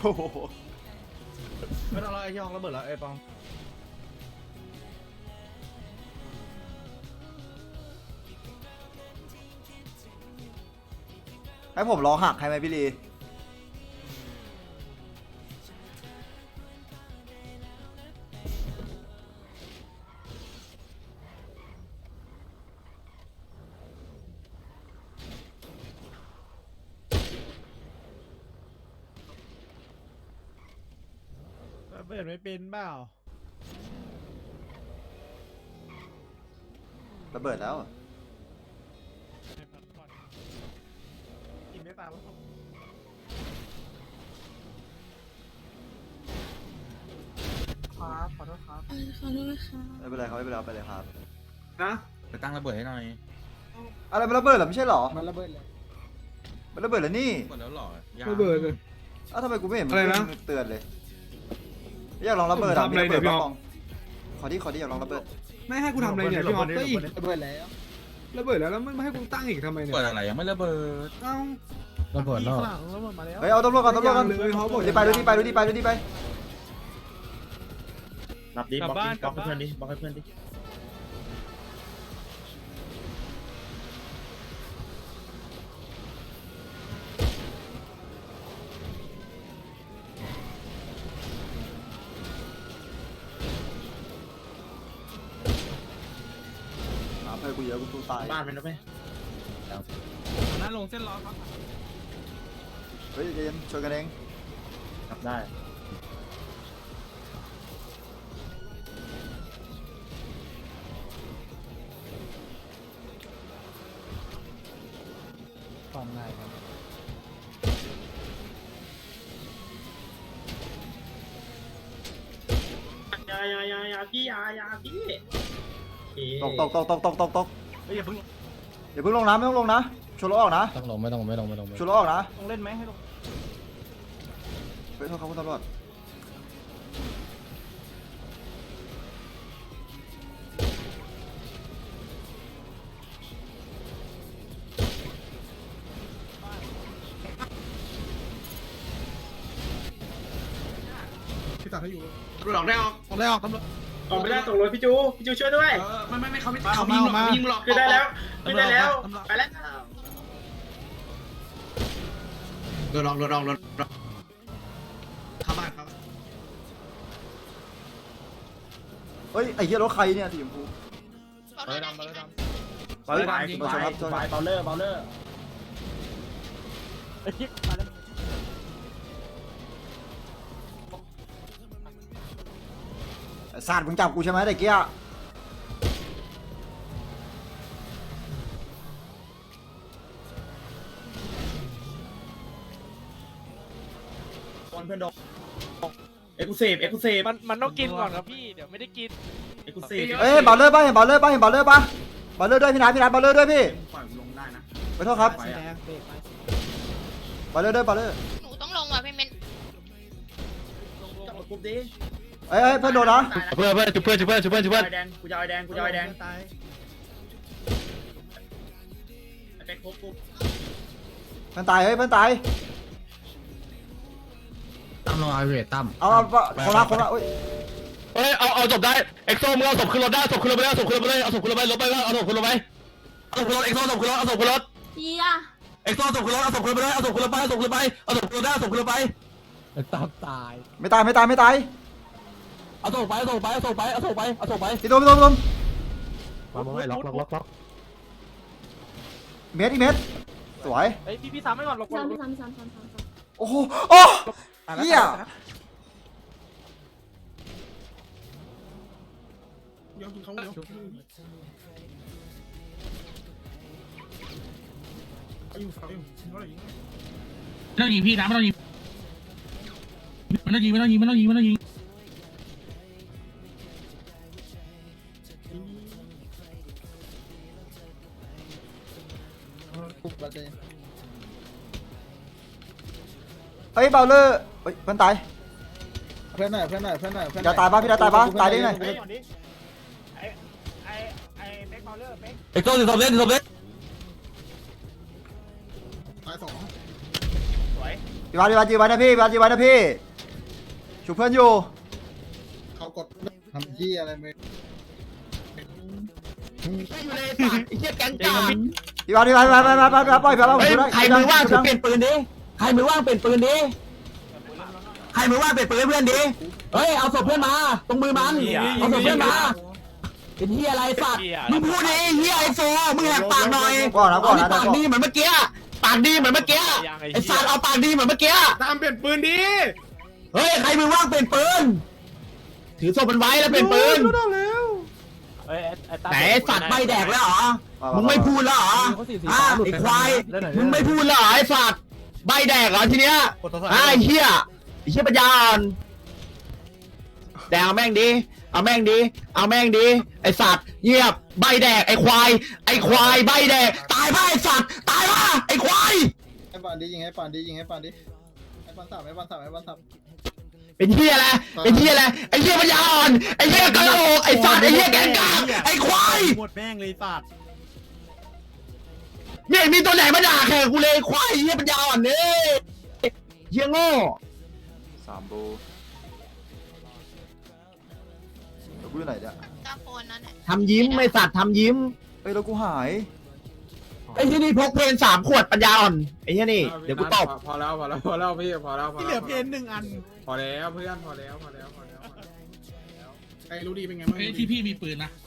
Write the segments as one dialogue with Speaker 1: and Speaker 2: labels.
Speaker 1: โหไม่ต้องรอไอ้ที่ห้องระเบิดแล้วไอ้ปอง
Speaker 2: ให้ผมรอหักให้ไหมพี่ลี
Speaker 3: เปิดไม่เป็นเปล่า
Speaker 2: ระเบิดแล้ว
Speaker 3: กินไม่ตามครับขอโทษครับ
Speaker 4: ขอโทษค่ะ
Speaker 2: ไม่เป็นไรครับไม่เป็นไรไปเลยครับ
Speaker 1: นะไปตั้งระเบิดให้หน่อย
Speaker 2: อะไรมันระเบิดเหรอไม่ใช่เหรอ
Speaker 3: มันระเบิดเลย
Speaker 2: มันระเบิดแล้วนี่
Speaker 1: หมดแล้วหรอ
Speaker 3: ระเบิดเลย
Speaker 2: อ้าวทำไมกูไม่เห็น
Speaker 3: อะไรนะ
Speaker 2: มันเตือนเลยอยากลองระเบิด
Speaker 3: ทำอะไรเนี่ยพี่อ๊อฟ
Speaker 2: ขอที่อยากลองระเบิด
Speaker 3: ไม่ให้กูทำอะไรเนี่ยพี่ฮอปก็อีกระเบิดแล้วแล้วไม่ให้กูตั้งอีกทำไมเนี่ย
Speaker 1: เปิดอะไรยังไม่ระเบิด
Speaker 3: เอ้า
Speaker 5: ระเบิดแล้ว
Speaker 2: เฮ้ยเอาตำรวจก่อน
Speaker 3: เลยเขาบอก
Speaker 2: ดีไปดูดีไป
Speaker 1: นับดิบล็อกให้เพื่อนดิบล็อกให้เพื่อนดิ
Speaker 2: เพื่อนกูเยอะกูสู้ตาย
Speaker 1: บ้านมันนะไหม
Speaker 3: นั่นลงเส้นล้อครับ
Speaker 2: เฮ้ยเย็นช่วยกันเอง
Speaker 1: นับได้
Speaker 5: ความง่ายครับ
Speaker 1: ยาพี่ยาพี่
Speaker 2: ตก
Speaker 1: เฮ้ยอย่าเพิ่ง
Speaker 2: อย่าเพิ่งลงนะไม่ต้องลงนะชวนรถออกนะ
Speaker 5: ต้องลงไม่ต้อง
Speaker 2: ชวนรถออกนะ
Speaker 1: ต้องเล่นไหมให้ลง
Speaker 2: เฮ้ยโทษครับคุณตำรวจ
Speaker 3: พี่ตัดให้อยู่
Speaker 1: หลอกได้ออก
Speaker 3: ตำรวจตำรวจ
Speaker 1: ออกไม่ได้ตกรถพี่จูช่วยด้วย
Speaker 3: ไม่เขายิงหรอก
Speaker 1: คือได้แล้วไปแล้วรถออกเข้าบ้านครับ
Speaker 2: เฮ้ยไอ้เหี้ยรถใครเนี่ยสีชมพู
Speaker 4: ขอโทษนะ
Speaker 2: ไปชนครับชนครับ
Speaker 1: เบาเลอร์
Speaker 2: ศาสตร์มึงจับกูใช่ไหมตะเกีย
Speaker 1: เพื่อนโดนเอ็กซ์เซฟ
Speaker 6: มันต้องกินก่อนครับพี่ เดี๋ยวไม่ได้กิน
Speaker 1: เอ็กซ์เซฟ
Speaker 2: เอ้ยบอลเลอร์ป่ะเห็นบอลเลอร์ป่ะบอลเลอร์ด้วยพี่นัทบอลเลอร์ด้วยพี่
Speaker 1: ปล่อยลงได้นะ
Speaker 2: ไปโทษครับ
Speaker 3: สีแดงเบรกไป
Speaker 2: บอลเลอร์ด้วยบอลเลอร์
Speaker 4: หนูต้องลงว่ะพี่เมน
Speaker 1: จับกรุ๊ปดิ
Speaker 2: เอ้ยเพื่อนโดนนะ
Speaker 5: เพื่อนจุบเพื่อน
Speaker 1: แดงกูจะเอาแดง
Speaker 3: ตาย
Speaker 1: ไปครบกรุ๊ป
Speaker 2: เพื่อนตายเฮ้ยเพื่อนตาย
Speaker 5: ตั้มลงไอเวทตั้ม
Speaker 2: เอาคนละอุ้ย
Speaker 5: เฮ้ยเอาศพได้เอ็กโซมึงเอาศพขึ้นรถได้ศพขึ้นรถไปเอาศพขึ้นรถไปเอาศพขึ้นรถไปรถไปเอาศพขึ้นรถไปเอาศพขึ้นรถเอ็กโซศพขึ้นรถเอาศพขึ้นรถ
Speaker 4: เฮีย
Speaker 5: เอ็กโซศพขึ้นรถเอาศพขึ้นรถไปเอาศพขึ้นรถไปเอาศพขึ้นรถไปเอาศพขึ้นรถได้เอาศพขึ้นรถไปตั้มตาย
Speaker 2: ไม่ตาย
Speaker 5: เอาศพไป
Speaker 2: พี่ตุ้ม
Speaker 5: มาไม่ล็อก
Speaker 2: เม็ดอีเม็ดสวย
Speaker 6: เฮ้ยพี่ซ้ำให้ก่อนหลบก่อน
Speaker 4: ซ้ำ
Speaker 2: โอ้โหโอ้เหี้ย
Speaker 3: ยกเขายก
Speaker 7: ไม่ต้องยิงพี่นะไม่ต้องยิง
Speaker 2: เฮ้ยบอลเลอร์เฮ้ยเพื่อนตาย
Speaker 3: เพื่อนหน่อย
Speaker 2: อย่าตายป่ะพี่ตายป่ะตายได้ไง
Speaker 6: ไอ้เป๊กเบลเลอร์เป๊ก
Speaker 5: เอ็กโซศพเล่น
Speaker 3: ตายสอง
Speaker 6: สวย
Speaker 2: พี่พี่บาสยืนไว้นะพี่ยืนไว้นะพี่ชูเพื่อนอยู่
Speaker 3: เขากดทำที่อะไรมึง
Speaker 5: อยู่เลยสัตว์ไอ้เหี้ยแก๊งกา
Speaker 2: พี่บาสปล่อยพี่บาส
Speaker 5: เฮ้ยใครมือว่างถือเปลี่ยนปืนดิใครมือว่างเปลี่ยนปืนดิใครมือว่างเปลี่ยนปืนให้เพื่อนดิเฮ้ยเอาศพเพื่อนมาตรงมือมันเอาศพเพื่อนมาเป็นเหี้ยอะไรสัตว์มึงพูดดิเหี้ยไอ้โฟมึงแหกปากหน่อย
Speaker 2: ก่อนนะ
Speaker 5: ปากดีเหมือนเมื่อกี้ปากดีเหมือนเมื่อกี้ไอ้สัตว์เอาปากดีเหมือนเมื่อกี้
Speaker 3: ตามเปลี่ยนปืนดี
Speaker 5: เฮ้ยใครมือว่างเปลี่ยนปืนถือศพมันไว้แล้วเปลี่ยนปืน
Speaker 6: เอ้ยตา
Speaker 5: ไหนสัตว์ใบแดกแล้วเหรอมึงไม่พูดแล้วเหรอไอ้ควายมึงไม่พูดแล้วเหรอไอ้สัตว์ใบแดกเหรอทีเนี้ยไอ้เหี้ยปัญญาอ่อนแดงเอาแม่งดีเอาแม่งดีไอ้สัตว์เงียบใบแดกไอ้ควายใบแดกตายป่ะไอ้สัตว์ตายป่ะไอ้ควาย
Speaker 3: ให้ปานดียิงให้ปานดีให้ปานสับให้ปานสับ
Speaker 5: เป็นเหี้ยอะไรไอ้เหี้ยปัญญาอ่อนไอ้เหี้ยกะโหลกไอ้สัตว์ไอ้เหี้ยแกงกากไอ้ควาย
Speaker 1: หมดแม่งเลยสัตว์
Speaker 5: เนี่ยมีตัวไหนมาด่าแข่งกูเลยควายเหี้ยปัญญาอ่อนเนี่ยเหี้ยโง่
Speaker 2: 3บูแล้วกูอยู่ไหนเนี่ย
Speaker 4: ตาโฟนนั่นแหละ
Speaker 5: ทำยิ้มไม่สัตว์ทำยิ้ม
Speaker 2: เฮ้ยแล้วกูหาย
Speaker 5: ไอ้ที่นี่พกเพน3 ขวดปัญญาอ่อนไอ้ที่นี่เดี๋ยวกูตบ
Speaker 3: พอแล้วพี่พอแล้ว
Speaker 1: ที่เหลือเพน1 อัน
Speaker 3: พอแล้วเพื่อนพอแล้วไอ้รู้ดีเป็นไงบ้าง
Speaker 7: เฮ้ยที่พี่มีปืนนะ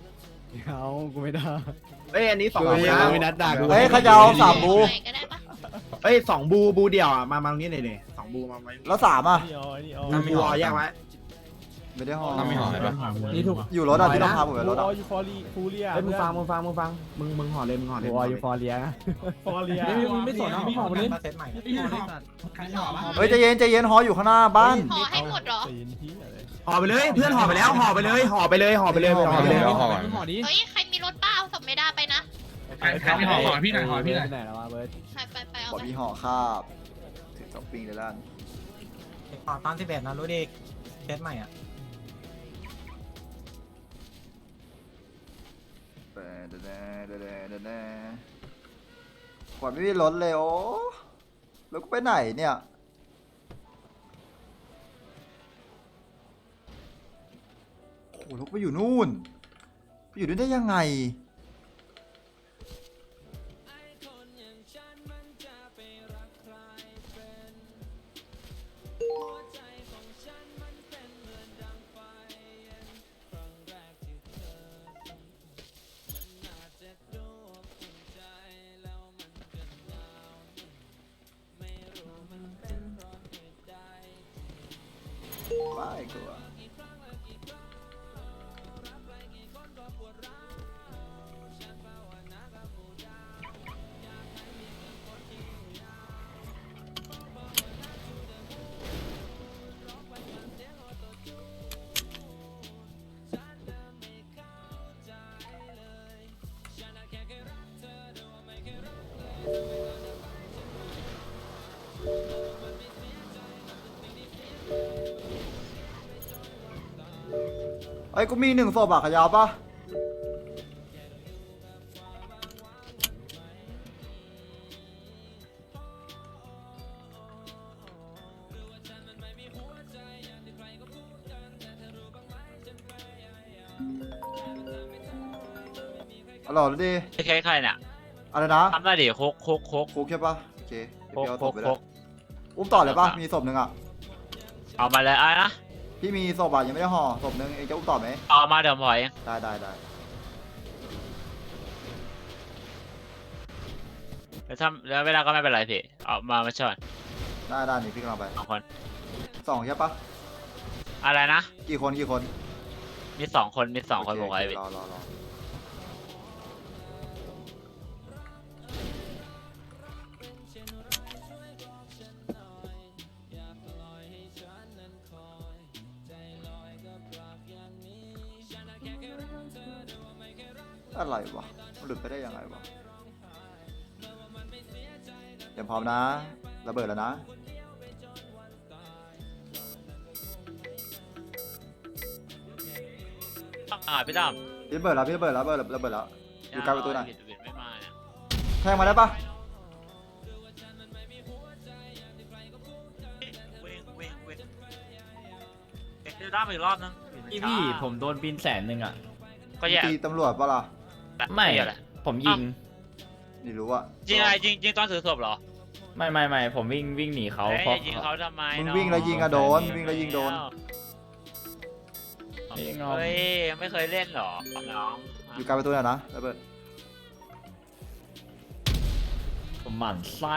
Speaker 5: เอ้ยอันนี้2 บู
Speaker 1: ไม่นัดด่ากู
Speaker 2: เฮ้ยขยาว3บู
Speaker 4: ไหนก็ได้ปะ
Speaker 5: เอ้ย2 บูเดียวอ่ะมาตรงนี้หน่อย2 บูมาไว้
Speaker 2: แล้ว3อ่ะ
Speaker 5: บูแยกไว้
Speaker 2: ไม่ได้ห่อ
Speaker 7: ไม่หอเลยปะ
Speaker 6: นี่ถูก
Speaker 2: อยู่รถอ่ะที่ต้องพาผมไปรถอ่ะ
Speaker 6: ยูฟอรีฟูเรีย
Speaker 5: เฮ้ยมึงฟังมึงห่อเลย
Speaker 6: วอยูฟอเรียฟอเรียไม่สนนะหอมเลย
Speaker 7: พี่หอใครหอปะ
Speaker 2: เฮ้ยใจเย็นห่ออยู่ข้างหน้าบ้าน
Speaker 4: ห่อให้หมดเหรอ
Speaker 5: ห่อไปเลยเพื่อนห่อไปแล้วห่อไปเลยห่อไปเลย
Speaker 6: ห่อดิ
Speaker 4: เฮ้ยใครมีรถป้าเอาศพไม่ได้ไปนะ
Speaker 7: ใครไม่หอพี่หน่อยหอพี่หน่อย
Speaker 6: ไหนแล้ววะเบิร์ด
Speaker 4: ไปเอา
Speaker 2: บอก
Speaker 4: ไป
Speaker 2: พี่ห่อคาบถึง2 ปีเลยล้าน
Speaker 8: ตอน11นะรู้ดิเคสใหม่อ่ะ
Speaker 2: ขวัญไม่มีรถเลยโอ้แล้วกูไปไหนเนี่ยโอ้แล้วกูไปอยู่นู่นไปอยู่นู่นได้ยังไงว้ายกูอะไอ้ยกูมี1 ศพอะขยาวปะอร่อยเลยดิ
Speaker 9: ใครใครเนี่ย
Speaker 2: อะไรนะ
Speaker 9: ทำได้ดิโคก
Speaker 2: คุกใช่ปะโอเคเดี๋ยวพี่เอาศพไป
Speaker 9: โค
Speaker 2: เลย
Speaker 9: ก
Speaker 2: อุ้มต่อเลยปะมีศพหนึ่งอะ
Speaker 9: เอามาเลยอะไรนะ
Speaker 2: พี่มีศพอะยังไม่ได้ห่อศพหนึ่งเองจะอุ้มต่อไหม
Speaker 9: เอามาเดี๋ยวผมถอยเอง
Speaker 2: ได้
Speaker 9: แล้วเวลาก็ไม่เป็นไรพี่เอามาช่วย
Speaker 2: ได้นี่พี่กำลังไป
Speaker 9: 2 คน
Speaker 2: 2ใช่ปะ
Speaker 9: อะไรนะ
Speaker 2: กี่คน
Speaker 9: มี 2 คนผมไว้พี่
Speaker 2: รออะไรวะมันหลุดไปได้ยังไงวะเตรียมพร้อมนะระเบิดแล้วนะ
Speaker 9: พี่ตั้ม
Speaker 2: พี่ระเบิดแล้วระเบิดแล้วอยู่กลางประตูหน่อย
Speaker 9: ไม่มาเนี่ย
Speaker 2: แทงมาได้ปะ
Speaker 9: ดูด้าไปอีกรอบนึง
Speaker 5: พี่ผมโดนบิน100,000อ่ะ
Speaker 9: ก็แย่
Speaker 2: ตีตำรวจปะล่ะ
Speaker 5: ไม่
Speaker 9: อะไร
Speaker 5: ผมยิง
Speaker 2: ไม่รู้ว่า
Speaker 9: ยิงอะไรยิงตอนถือศพเหรอ
Speaker 5: ไม่ผมวิ่งหนีเขา
Speaker 9: เฮ้ย
Speaker 5: เพราะ
Speaker 9: ยิงเขาทำไม
Speaker 2: มึง
Speaker 9: น้อ
Speaker 2: วิ่งแล้วยิงอะโดนวิ่งแล้วยิงโดน
Speaker 5: ยิงเอา
Speaker 9: เฮ้ยไม่เคยเล่นเหรอน้อง
Speaker 2: อยู่กลางประตูน่ะนะระเบิด
Speaker 5: ผมหมั่นไส้